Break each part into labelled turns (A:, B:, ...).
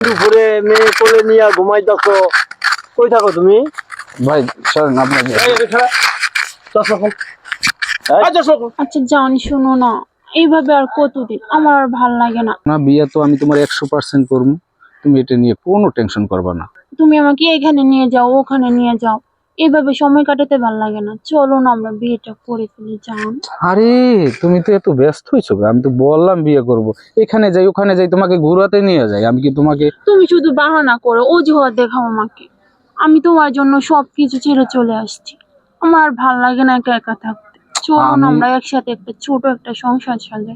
A: দুপুরে মেয়ে কোলে নিয়ে ঘুমাইতেছো, কই থাকো তুমি?
B: ভাই চলেন আপনাকে।
C: আচ্ছা জান, শোনো না, এইভাবে আর কতদিন? আমার আর ভাল লাগে না।
B: না বিয়ে তো আমি তোমার 100% করবো, তুমি এটা নিয়ে কোনো টেনশন করবা না।
C: তুমি আমাকে এখানে নিয়ে যাও, ওখানে নিয়ে যাও, এইভাবে সময় কাটাতে ভাল লাগে না। চলো না আমরা বিয়েটা করে ফেলি জান।
B: আরে তুমি তো এত ব্যস্ত হয়েছো, আমি তো বললাম বিয়ে করব, এখানে যাই ওখানে যাই, তোমাকে ঘুরাতে নিয়ে যাই, আমি কি তোমাকে?
C: তুমি শুধু বাহানা করো, অজুহাত দেখাও আমাকে। আমি তোমার জন্য সবকিছু ছেড়ে চলে আসছি। আমার আর ভাল লাগে না একা একা থাকতে। চলো না আমরা একসাথে একটা ছোট একটা সংসার সাজাই,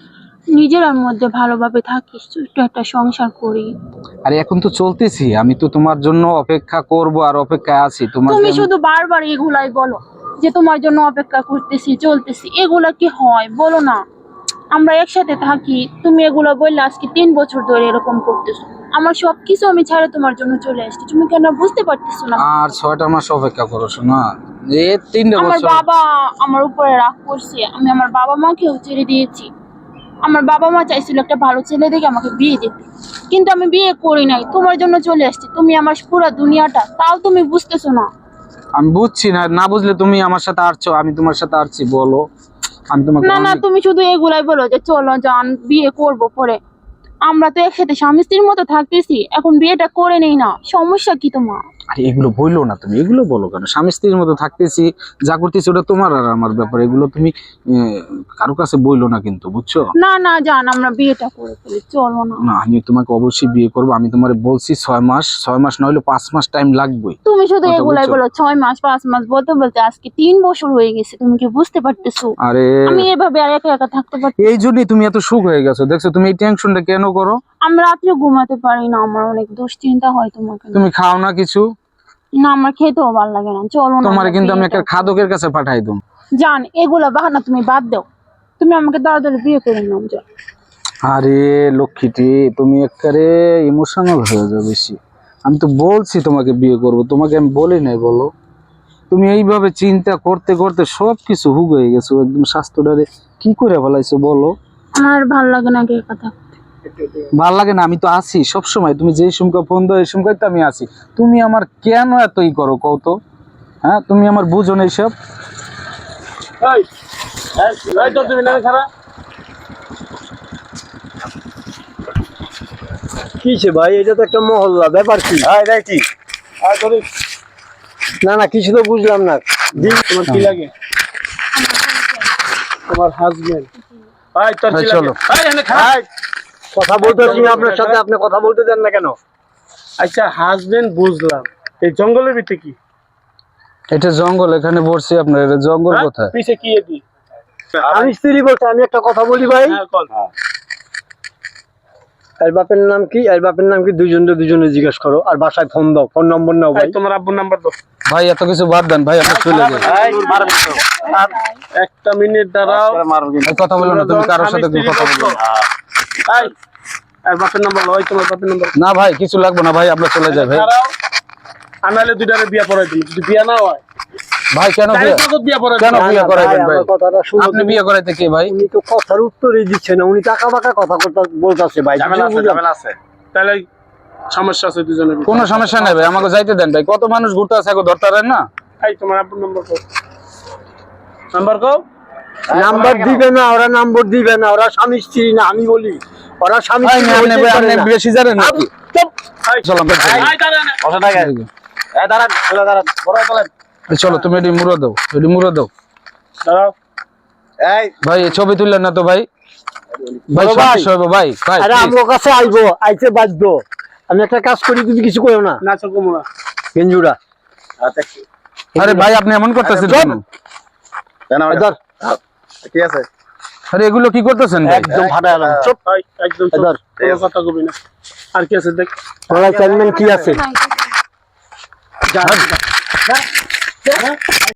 C: নিজের মধ্যে ভালোভাবে থাকি, ছোট্ট একটা সংসার করি।
B: আরে এখন তো চলতেছি, আমি তো তোমার জন্য অপেক্ষা করব আর অপেক্ষায় আছি তোমার।
C: তুমি শুধু বারবার এগুলাই বলো যে তোমার জন্য অপেক্ষা করতেছি, চলতেছি, এগুলা কি হয় বলো না? আমরা একসাথে থাকি, তুমি এগুলো বললে আজকে 3 বছর ধরে এরকম করতেছো। আমার সবকিছু আমি ছাড়া তোমার জন্য চলে আসছি, তুমি কেন বুঝতে পারতেছো না?
B: আর 6টা মাস অপেক্ষা করো শোনা, এই 3
C: আমার
B: বছর।
C: বাবা আমার উপরে রাগ করছে, আমি আমার বাবা মাকেও ছেড়ে দিয়েছি। আমার বাবা মা চাইছিল একটা ভালো ছেলে দেখে আমাকে বিয়ে দিতে, কিন্তু আমি বিয়ে করি নাই, তোমার জন্য চলে আসছি। তুমি আমার পুরো দুনিয়াটা, তাও তুমি বুঝতেছো না।
B: আমি বুঝছি না, না বুঝলে তুমি আমার সাথে আসছো, আমি তোমার সাথে আসছি, বলো আমি তোমাকে
C: না না, তুমি শুধু এগুলাই বলো যে চলো যান বিয়ে করব পরে। আমরা তো একসাথে স্বামী স্ত্রীর মতো থাকতেছি, এখন বিয়েটা করে নেই না, সমস্যা কি তোমার?
B: আরে এগুলো বললো না, তুমি এগুলো বলো কেন? স্বামী স্ত্রীর মতো থাকতেছি, যা করতেছি ওটা তোমার আর আমার ব্যাপার, এগুলো তুমি কারো কাছে বললো না কিন্তু, বুঝছো?
C: না না জান, আমরা বিয়েটা করে ফেলি, চলো না।
B: না আমি তোমাকে অবশ্যই বিয়ে করবো, আমি তোমার বলছি 6 মাস না হলে 5 মাস টাইম লাগবেই।
C: তুমি শুধু
B: কথা
C: এগুলাই
B: বুঝছো?
C: বলো, 6 মাস 5 মাস বলতে বলতে আজকে 3 বছর হয়ে গেছে, তুমি কি বুঝতে পারতেছো?
B: আরে
C: আমি এভাবে আর একা একা থাকতে পারছি?
B: এই জন্যই তুমি এত সুখ হয়ে গেছো, দেখছো? তুমি এই টেনশনটা কেন করো?
C: আমি রাত্রে ঘুমাতে পারি না, আমার অনেক দুশ্চিন্তা হয় তোমাকে নিয়ে।
B: তুমি খাও না কিছু?
C: না, আমার খেতেও ভালো লাগে না, চলো না।
B: তোমার
C: আমরা
B: কিন্তু আমি
C: বিয়েটা
B: একটা খাদকের কাছে পাঠাই দেব।
C: জান, এগুলা বাহানা তুমি বাদ দাও, তুমি আমাকে তাড়াতাড়ি বিয়ে করে নাও যাও।
B: আরে লক্ষ্মীটি, তুমি একবারে ইমোশনাল হয়ে যাও বেশি। আমি তো বলছি তোমাকে বিয়ে করব, তোমাকে আমি বলি নাই বলো? তুমি এইভাবে চিন্তা করতে করতে সবকিছু হুগ হয়ে গেছো, একদম স্বাস্থ্যটারে কি করে ফেলাইছো বলো?
C: আমার ভাল লাগে না একা থাকতে।
B: ভাল লাগে না? আমি তো আছি সব সময়, তুমি যেই সময় ফোন দাও এই সময় তো আমি আছি। তুমি আমার কেন এতই করো কও তো? হ্যাঁ তুমি আমার বুঝো না এইসব?
A: কিসে ভাই, এটা তো একটা মহল্লা, ব্যাপার কি? না না, কিছু তো বুঝলাম না।
D: তোমার কি লাগে? তোমার হাজবেন্ড?
B: চলো।
A: কথা বলতেছি আপনার সাথে, আপনি কথা বলতে দেন না কেন?
D: আচ্ছা হাজবেন্ড বুঝলাম, এই জঙ্গলের ভিতরে কি?
B: এটা জঙ্গল, এখানে বসছি আপনার, এটা জঙ্গল
D: হ্যাঁ?
B: কোথায়?
D: পিছে কি এটি?
A: আমি স্ত্রী বলছি, আমি একটা কথা বলি ভাই।
D: হ্যাঁ, কল।
A: এর বাপের নাম কি, এর বাপের নাম কি, দুজনে জিজ্ঞেস করো। আর বাসায় ফোন দাও, ফোন নম্বর নাও ভাই।
D: এই, তোমার আব্বুর নাম্বার দাও।
B: ভাই এত কিছু বাদ দেন ভাই, আপনি চলে যান।
D: আর একটা মিনিট দাঁড়াও।
B: এই কথা বলো না, তুমি কারোর সাথে কোনো কথা বলো না।
D: এই, আর বাপের নাম্বার লও, তোমার বাপের নাম্বার
B: না ভাই কিছু লাগবে না ভাই, আমরা চলে যাই ভাই।
D: দাঁড়াও। আনালে দুইটারে বিয়া পড়াই দিই, যদি বিয়া না হয়
B: ভাই কেন বিয়ে,
D: বিয়া পড়াই
B: কেন
D: দিই।
B: বিয়ে করাইবেন ভাই?
A: আমার কথাটা শুনো।
B: আপনি বিয়ে করাইতে কে ভাই?
A: উনি তো কথার উত্তরই দিচ্ছে না, উনি টাকা বাকা কথা বলতেছে ভাই।
D: তাহলে সমস্যা আছে দুজনের ভিতরে।
B: কোনো সমস্যা নাই ভাই, আমাকে যাইতে দেন ভাই, কত মানুষ ঘুরতে আছে, এখন ধরতে পারেন না?
D: এই তোমার আব্বুর নাম্বার কও, নাম্বার কও।
A: নাম্বার দিবে না, ওরা নাম্বার দিবে না, ওরা স্বামী স্ত্রী না। আমি বলি ওরা স্বামী
B: ভাই
A: স্ত্রী
B: আপনি
A: হইতে
B: ভাই,
A: পারে
B: আপনি
A: না।
B: বেশি জানেন নাকি? চলো আমরা চলি। চলো তুমি এটি মুড়ো দাও, এটি মুড়ো দাও।
D: দাঁড়াও।
B: ভাই এই ছবি তুললেন না তো ভাই? ভাই
A: বলো ভাই।
B: সমস্যা হবে ভাই, ভাই
A: আরে
B: please।
A: আমার কাছে আইবো, আইতে বাধ্য। আমি একটা কাজ করি, তুমি কিছু করো না।
D: না চল কমু না।
A: গেঞ্জুরা
B: আরে ভাই আপনি এমন করতেছেন কেন?
A: ধর,
B: আরে এগুলো কি করতেছেন ভাই?
A: একদম ফাটা গেলাম। চুপ।
D: এই, একদম চুপ,
A: ধর।
D: কোনো কথা কবি না। আর কি আছে দেখ।
A: তোমার চেয়ারম্যান কি আছে?
C: নাই।